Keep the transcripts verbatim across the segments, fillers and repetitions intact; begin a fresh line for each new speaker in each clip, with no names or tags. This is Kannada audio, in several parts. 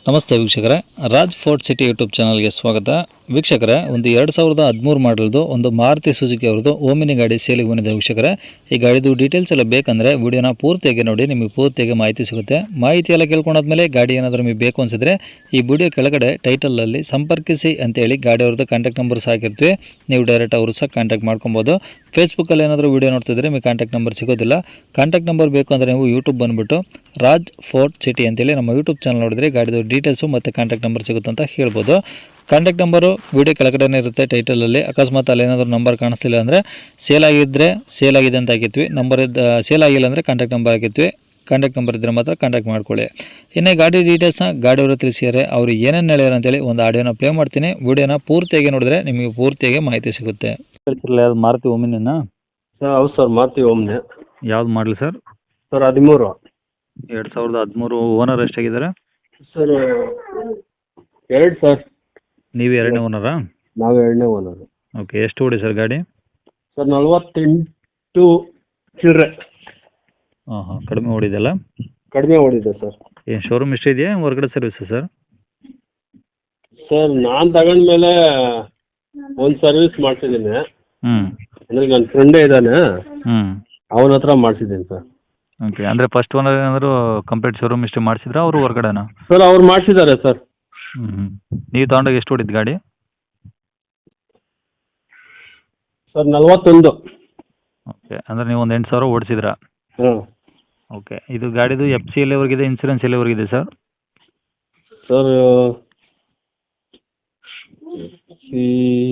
ನಮಸ್ತೆ ವೀಕ್ಷಕರೇ, ರಾಜ್ ಫೋರ್ಟ್ ಸಿಟಿ ಯೂಟ್ಯೂಬ್ ಚಾನಲ್ಗೆ ಸ್ವಾಗತ. ವೀಕ್ಷಕರೇ, ಒಂದು ಎರಡು ಸಾವಿರದ ಹದಿಮೂರು ಮಾಡಲ್ದು ಒಂದು ಮಾರುತಿ ಸುಜುಕಿ ಅವ್ರದ್ದು ಓಮಿನಿ ಗಾಡಿ ಸೇಲಿಗೆ ಬಂದಿದೆ. ವೀಕ್ಷಕರೇ, ಈ ಗಾಡಿದು ಡೀಟೇಲ್ಸ್ ಎಲ್ಲ ಬೇಕಂದರೆ ವಿಡಿಯೋನ ಪೂರ್ತಿಯಾಗಿ ನೋಡಿ, ನಿಮಗೆ ಪೂರ್ತಿಯಾಗಿ ಮಾಹಿತಿ ಸಿಗುತ್ತೆ. ಮಾಹಿತಿ ಎಲ್ಲ ಕೇಳ್ಕೊಂಡಾದ್ಮೇಲೆ ಗಾಡಿ ಏನಾದರೂ ನಿಮಗೆ ಬೇಕು ಅನಿಸಿದ್ರೆ ಈ ವಿಡಿಯೋ ಕೆಳಗಡೆ ಟೈಟಲಲ್ಲಿ ಸಂಪರ್ಕಿಸಿ ಅಂತೇಳಿ ಗಾಡಿ ಅವ್ರದ್ದು ಕಾಂಟ್ಯಾಕ್ಟ್ ನಂಬರ್ ಹಾಕಿರ್ತೀವಿ. ನೀವು ಡೈರೆಕ್ಟ್ ಅವರು ಸಹ ಕಾಂಟ್ಯಾಕ್ಟ್ ಮಾಡ್ಕೊಬೋದು. ಫೇಸ್ಬುಕ್ಕಲ್ಲಿ ಏನಾದರೂ ವೀಡಿಯೋ ನೋಡ್ತಿದ್ರೆ ನಿಮಗೆ ಕಾಂಟ್ಯಾಕ್ಟ್ ನಂಬರ್ ಸಿಗೋದಿಲ್ಲ. ಕಾಂಟ್ಯಾಕ್ಟ್ ನಂಬರ್ ಬೇಕು ಅಂದರೆ ನೀವು ಯೂಟ್ಯೂಬ್ ಬಂದುಬಿಟ್ಟು ರಾಜ್ ಫೋರ್ಟ್ ಸಿಟಿ ಅಂತೇಳಿ ನಮ್ಮ ಯೂಟ್ಯೂಬ್ ಚಾನಲ್ ನೋಡಿದ್ರೆ ಗಾಡಿದು ಡೀಟೇಲ್ಸು ಮತ್ತು ಕಾಂಟ್ಯಾಕ್ಟ್ ನಂಬರ್ ಸಿಗುತ್ತೆ ಅಂತ ಹೇಳ್ಬೋದು. ಕಾಂಟ್ಯಾಕ್ಟ್ ನಂಬರು ವೀಡಿಯೋ ಕೆಳಗಡೆ ಇರುತ್ತೆ ಟೈಟಲಲ್ಲಿ. ಅಕಸ್ಮಾತ್ ಅಲ್ಲಿ ಏನಾದರೂ ನಂಬರ್ ಕಾಣಿಸ್ತಿಲ್ಲ ಅಂದರೆ ಸೇಲ್ ಆಗಿದ್ದರೆ ಸೇಲ್ ಆಗಿದೆ ಅಂತ ಹಾಕಿರ್ತೀವಿ. ನಂಬರ್ ಇದ್ದ ಸೇಲ್ ಆಗಿಲ್ಲ ಅಂದರೆ ಕಾಂಟ್ಯಾಕ್ಟ್ ನಂಬರ್ ಹಾಕಿರ್ತೀವಿ. ಕಾಂಟ್ಯಾಕ್ಟ್ ನಂಬರ್ ಇದ್ದರೆ ಮಾತ್ರ ಕಾಂಟ್ಯಾಕ್ಟ್ ಮಾಡ್ಕೊಳ್ಳಿ. ಇನ್ನೇ ಗಾಡಿ ಡೀಟೇಲ್ಸ್ನ ಗಾಡಿಯವರು ತಿಳಿಸಿದ್ದಾರೆ, ಅವರು ಏನೇನು ಹೇಳ್ಯಾರ ಅಂತೇಳಿ ಒಂದು ಆಡಿಯೋನ ಪ್ಲೇ ಮಾಡ್ತೀನಿ. ವಿಡಿಯೋನ ಪೂರ್ತಿಯಾಗಿ ನೋಡಿದ್ರೆ ನಿಮಗೆ ಪೂರ್ತಿಯಾಗಿ ಮಾಹಿತಿ ಸಿಗುತ್ತೆ. ಯಾವ್ದು ಮಾರುತಿ ಓಮಿನಿನಾ?
ಸರ್ ಹೌದು ಸರ್, ಮಾರುತಿ ಓಮ್ನಿ.
ಯಾವ್ದು ಮಾಡಲಿ ಸರ್?
ಸರ್ ಹದಿಮೂರು.
ಎರಡು ಸಾವಿರದ ಹದಿಮೂರು. ಓನರ್ ಎಷ್ಟಾಗಿದ್ದಾರೆ
ಸರ್? ಎರಡು ಸರ್.
ನೀವು ಎರಡನೇ ಓನರಾ?
ನಾವು ಎರಡನೇ ಓನರು.
ಓಕೆ, ಎಷ್ಟು ಓಡಿ ಸರ್ ಗಾಡಿ?
ಸರ್ ನಲ್ವತ್ತೆಂಟು ಚಿಲ್ಲರೆ.
ಹಾಂ ಹಾಂ, ಕಡಿಮೆ ಓಡಿದೆಲ್ಲ?
ಕಡಿಮೆ ಓಡಿದೆ ಸರ್.
ಏನು ಶೋರೂಮ್ ಇಷ್ಟ ಇದೆಯಾ ಹೊರಗಡೆ ಸರ್ವಿಸ್ ಸರ್?
ಸರ್ ನಾನು ತಗೊಂಡ್ಮೇಲೆ ಒಂದು ಸರ್ವಿಸ್ ಮಾಡಿಸಿದ್ದೀನಿ.
ಹ್ಞೂ.
ಅಂದರೆ ನನ್ನ ಫ್ರೆಂಡೇ ಇದ್ದಾನೆ,
ಹ್ಞೂ.
ಅವನ ಹತ್ರ ಮಾಡಿಸಿದ್ದೀನಿ ಸರ್.
ಓಕೆ, ಅಂದರೆ ಫಸ್ಟ್ ಓನರ್ ಏನಾದರೂ ಕಂಪ್ಲೀಟ್ ಶೋರೂಮ್ ಇಷ್ಟೇ ಮಾಡಿಸಿದ್ರಾ ಅವರು ಹೊರಗಡೆನಾ?
ಸರ್ ಅವ್ರು ಮಾಡಿಸಿದ್ದಾರೆ ಸರ್.
ಹ್ಞೂ ಹ್ಞೂ. ನೀವು ತೊಗೊಂಡಾಗ ಎಷ್ಟು ಓಡಿದ್ದು ಗಾಡಿ?
ಸರ್ ನಲ್ವತ್ತೊಂದು.
ಓಕೆ, ಅಂದರೆ ನೀವು ಒಂದು ಎಂಟು ಸಾವಿರ ಓಡಿಸಿದ್ರಾ?
ಹಾಂ.
ಓಕೆ, ಇದು ಗಾಡಿದು ಎಫ್ ಸಿ ಎಲ್ಲಿವರೆಗಿದೆ, ಇನ್ಸೂರೆನ್ಸ್ ಎಲ್ಲಿವರೆಗಿದೆ ಸರ್?
ಸರ್ ಈ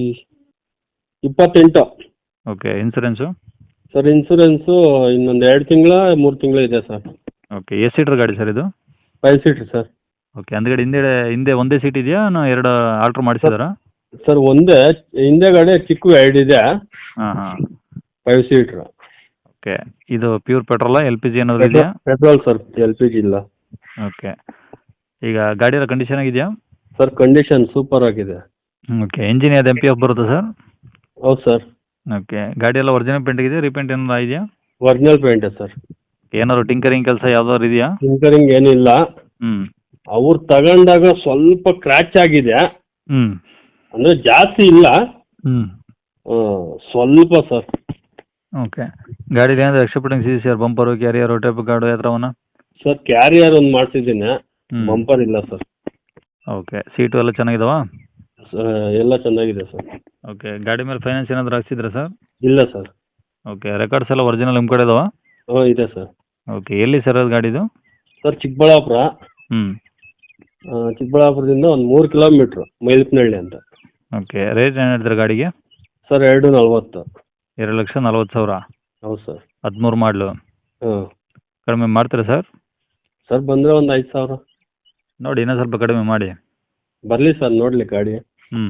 ಇಪ್ಪತ್ತೆಂಟು.
Okay, insurance?
ಸರ್ ಇನ್ಸೂರೆನ್ಸು ಇನ್ನೊಂದು ಎರಡು ತಿಂಗಳ ಮೂರು ತಿಂಗಳು ಇದೆ ಸರ್.
ಓಕೆ, ಎಷ್ಟು ಸೀಟ್ರ್ ಗಾಡಿ ಸರ್ ಇದು?
Five seater sir.
ಓಕೆ, ಹಿಂದ್ಗಡೆ ಹಿಂದೆ ಹಿಂದೆ ಒಂದೇ ಸೀಟ್ ಇದೆಯಾ ನಾ ಎರಡು ಆಲ್ಟ್ರ್ ಮಾಡಿಸಿದಾರಾ?
ಸರ್ ಒಂದೇ, ಹಿಂದೆಗಡೆ ಚಿಕ್ಕ ಎರಡು ಇದೆ.
ಹಾಂ ಹಾಂ.
Five seater.
ಓಕೆ, ಇದು ಪ್ಯೂರ್ ಪೆಟ್ರೋಲಾ ಎಲ್ ಪಿ ಜಿ ಏನಾದರೂ ಇದೆಯಾ?
Petrol sir, L P G ಇಲ್ಲ.
ಓಕೆ, ಈಗ ಗಾಡಿಯ ಕಂಡೀಷನ್ ಆಗಿದೆಯಾ?
ಸರ್ ಕಂಡೀಷನ್ ಸೂಪರ್ ಆಗಿದೆ.
ಓಕೆ, ಇಂಜಿನ್ ಯಾವ್ದು ಎಮ್ ಪಿ ಎಫ್ ಬರುತ್ತಾ ಸರ್?
ಹೌದು ಸರ್.
ಓಕೆ, ಗಾಡಿ ಎಲ್ಲ ಒರಿಜಿನಲ್ ಪೇಂಟ್ ಇದೆ, ರೀಪೇಂಟ್ ಏನಾದ್ರು ಇದೆಯಾ?
Original paint sir.
ಏನಾದ್ರು ಟಿಂಕರಿಂಗ್ ಕೆಲಸ ಯಾವ್ದಾದ್ರು ಇದೆಯಾ?
ಟಿಂಕರಿಂಗ್ ಏನಿಲ್ಲ.
ಹ್ಞೂ.
ಅವ್ರು ತಗೊಂಡಾಗ ಸ್ವಲ್ಪ ಕ್ರ್ಯಾಚ್ ಆಗಿದೆ,
ಹ್ಞೂ.
ಅಂದರೆ ಜಾಸ್ತಿ ಇಲ್ಲ.
ಹ್ಞೂ.
ಸ್ವಲ್ಪ ಸರ್.
ಓಕೆ, ಗಾಡೀಲಿ ಏನಾದ್ರು ಎಕ್ಸ್ಟ್ರಾ ಫಿಟ್ಟಿಂಗ್ಸ್ ಇದೆ sir? Bumper, carrier, tape guard ಯಾವ ಥರವನ್ನ?
ಸರ್ ಕ್ಯಾರಿಯರ್ ಒಂದು ಮಾಡಿಸಿದ್ದೀನಿ,
ಹ್ಞೂ.
ಬಂಪರ್ ಇಲ್ಲ ಸರ್.
ಓಕೆ, ಸೀಟು ಎಲ್ಲ ಚೆನ್ನಾಗಿದಾವಾ?
ಎಲ್ಲ ಚೆನ್ನಾಗಿದೆ ಸರ್.
ಓಕೆ, ಗಾಡಿ ಮೇಲೆ ಫೈನಾನ್ಸ್ ಏನಾದರೂ ಹಾಕ್ಸಿದ್ರಾ ಸರ್?
ಇಲ್ಲ ಸರ್.
ಓಕೆ, ರೆಕಾರ್ಡ್ಸ್ ಎಲ್ಲ ಒರಿಜಿನಲ್ ನಿಮ್ಮ ಕಡೆ ಇದಾವಾ?
ಹಾಂ ಇದೆ ಸರ್.
ಓಕೆ, ಎಲ್ಲಿ ಸರ್ ಅದು ಗಾಡಿದು?
ಸರ್ ಚಿಕ್ಕಬಳ್ಳಾಪುರ.
ಹ್ಞೂ.
ಚಿಕ್ಕಬಳ್ಳಾಪುರದಿಂದ ಒಂದು ಮೂರು ಕಿಲೋಮೀಟ್ರು, ಮೈಲಪ್ನಹಳ್ಳಿ ಅಂತ.
ಓಕೆ, ರೇಟ್ ಏನು ಹೇಳ್ತಾರೆ ಗಾಡಿಗೆ?
ಸರ್ ಎರಡು ನಲ್ವತ್ತು.
ಎರಡು ಲಕ್ಷ ನಲ್ವತ್ತು ಸಾವಿರ?
ಹೌದು ಸರ್.
ಹದಿಮೂರು ಮಾಡಲು?
ಹಾಂ.
ಕಡಿಮೆ ಮಾಡ್ತೀರಾ ಸರ್?
ಸರ್ ಬಂದರೆ ಒಂದು ಐದು ಸಾವಿರ
ನೋಡಿ, ಇನ್ನೂ ಸ್ವಲ್ಪ ಕಡಿಮೆ ಮಾಡಿ.
ಬರಲಿ ಸರ್, ನೋಡಲಿ ಗಾಡಿ.
ಹ್ಞೂ.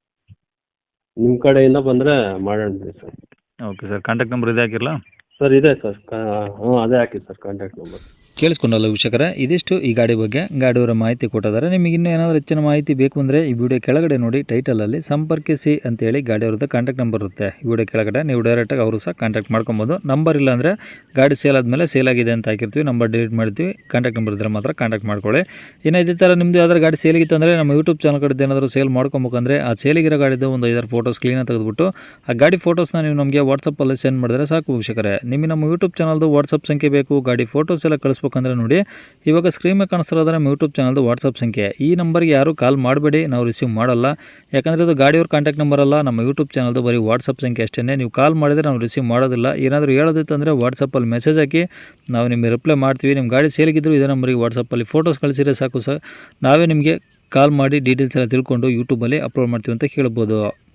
ನಿಮ್ಮ ಕಡೆಯಿಂದ ಬಂದರೆ ಮಾಡೋಣ sir.
Okay sir, contact number ಇದೆ ಹಾಕಿರಲಾ?
ಸರ್ ಇದೆ ಸರ್. ಹಾಂ ಅದೇ ಹಾಕಿ ಸರ್ ಕಾಂಟ್ಯಾಕ್ಟ್ ನಂಬರ್.
ಕೇಳಿಸ್ಕೊಂಡಲ್ಲ ವೀಕ್ಷಕರೇ, ಇದಿಷ್ಟು ಈ ಗಾಡಿ ಬಗ್ಗೆ ಗಾಡಿಯವರ ಮಾಹಿತಿ ಕೊಟ್ಟಿದ್ದಾರೆ. ನಿಮಗೆ ಇನ್ನೂ ಏನಾದರೂ ಹೆಚ್ಚಿನ ಮಾಹಿತಿ ಬೇಕು ಅಂದರೆ ಈ ವಿಡಿಯೋ ಕೆಳಗಡೆ ನೋಡಿ ಟೈಟಲಲ್ಲಿ ಸಂಪರ್ಕಿಸಿ ಅಂತೇಳಿ ಗಾಡಿಯವ್ರದ್ದು ಕಾಂಟ್ಯಾಕ್ಟ್ ನಂಬರ್ ಇರುತ್ತೆ. ಈ ವಿಡಿಯೋ ಕೆಳಗಡೆ ನೀವು ಡೈರೆಕ್ಟಾಗಿ ಅವರು ಸಹ ಕಾಂಟ್ಯಾಕ್ಟ್ ಮಾಡ್ಕೊಬೋದು. ನಂಬರ್ ಇಲ್ಲ ಅಂದರೆ ಗಾಡಿ ಸೇಲ್ ಆದಮೇಲೆ ಸೇಲ್ ಆಗಿದೆ ಅಂತ ಹಾಕಿರ್ತೀವಿ, ನಂಬರ್ ಡಿಲೀಟ್ ಮಾಡ್ತೀವಿ. ಕಾಂಟ್ಯಾಕ್ಟ್ ನಂಬರ್ ಇದ್ದರೆ ಮಾತ್ರ ಕಾಂಟ್ಯಾಕ್ಟ್ ಮಾಡ್ಕೊಳ್ಳಿ. ಇನ್ನು ಇದೇ ಥರ ನಿಮ್ಮದು ಯಾವ್ದಾರು ಗಾಡಿ ಸೇಲಿಗಿತ್ತು ಅಂದರೆ ನಮ್ಮ ಯೂಟ್ಯೂಬ್ ಚಾನಲ್ ಕಡೆ ಏನಾದರೂ ಸೇಲ್ ಮಾಡ್ಕೊಬೇಕಂದ್ರೆ ಆ ಸೇಲಿಗಿರೋ ಗಾಡಿದು ಒಂದು ಐದಾರು ಫೋಟೋಸ್ ಕ್ಲೀನಾಗಿ ತೆಗೆದುಬಿಟ್ಟು ಆ ಗಾಡಿ ಫೋಟೋಸ್ನ ನೀವು ನಮಗೆ ವಾಟ್ಸಪ್ಪಲ್ಲಿ ಸೆಂಡ್ ಮಾಡಿದ್ರೆ ಸಾಕು ವೀಕ್ಷಕರೇ. ನಿಮಗೆ ನಮ್ಮ ಯೂಟ್ಯೂಬ್ ಚಾನಲ್ದು ವಾಟ್ಸಪ್ ಸಂಖ್ಯೆ ಬೇಕು, ಗಾಡಿ ಫೋಟೋಸ್ ಎಲ್ಲ ಕಳಿಸ್ಬೇಕಂದ್ರೆ ನೋಡಿ ಇವಾಗ ಸ್ಕ್ರೀನ್ ಮೇಲೆ ಕಾಣಿಸ್ತಿರೋದ್ರೆ ನಮ್ಮ ಯೂಟ್ಯೂಬ್ ಚಾನಲ್ದು ವಾಟ್ಸಪ್ ಸಂಖ್ಯೆ. ಈ ನಂಬರ್ಗೆ ಯಾರು ಕಾಲ್ ಮಾಡಬೇಡಿ, ನಾವು ರಿಸೀವ್ ಮಾಡಲ್ಲ. ಯಾಕಂದರೆ ಇದು ಗಾಡಿಯವ್ರ ಕಾಂಟ್ಯಾಕ್ಟ್ ನಂಬರ್ ಅಲ್ಲ, ನಮ್ಮ ಯೂಟ್ಯೂಬ್ ಚಾನಲ್ದು ಬರೀ ವಾಟ್ಸಪ್ ಸಂಖ್ಯೆ ಅಷ್ಟೇ. ನೀವು ಕಾಲ್ ಮಾಡಿದರೆ ನಾವು ರಿಸೀವ್ ಮಾಡೋದಿಲ್ಲ. ಏನಾದರೂ ಹೇಳೋದಿತ್ತಂದರೆ ವಾಟ್ಸಪ್ಪಲ್ಲಿ ಮೆಸೇಜ್ ಹಾಕಿ, ನಾವು ನಿಮಗೆ ರಿಪ್ಲೈ ಮಾಡ್ತೀವಿ. ನಿಮ್ಮ ಗಾಡಿ ಸೇಲಿಗಿದ್ರು ಇದೇ ನಂಬರಿಗೆ ವಾಟ್ಸಪ್ಪಲ್ಲಿ ಫೋಟೋಸ್ ಕಳಿಸಿದ್ರೆ ಸಾಕು ಸರ್, ನಾವೇ ನಿಮಗೆ ಕಾಲ್ ಮಾಡಿ ಡೀಟೇಲ್ಸ್ ಎಲ್ಲ ತಿಳ್ಕೊಂಡು ಯೂಟ್ಯೂಬಲ್ಲಿ ಅಪ್ಲೋಡ್ ಮಾಡ್ತೀವಿ ಅಂತ ಹೇಳ್ಬೋದು.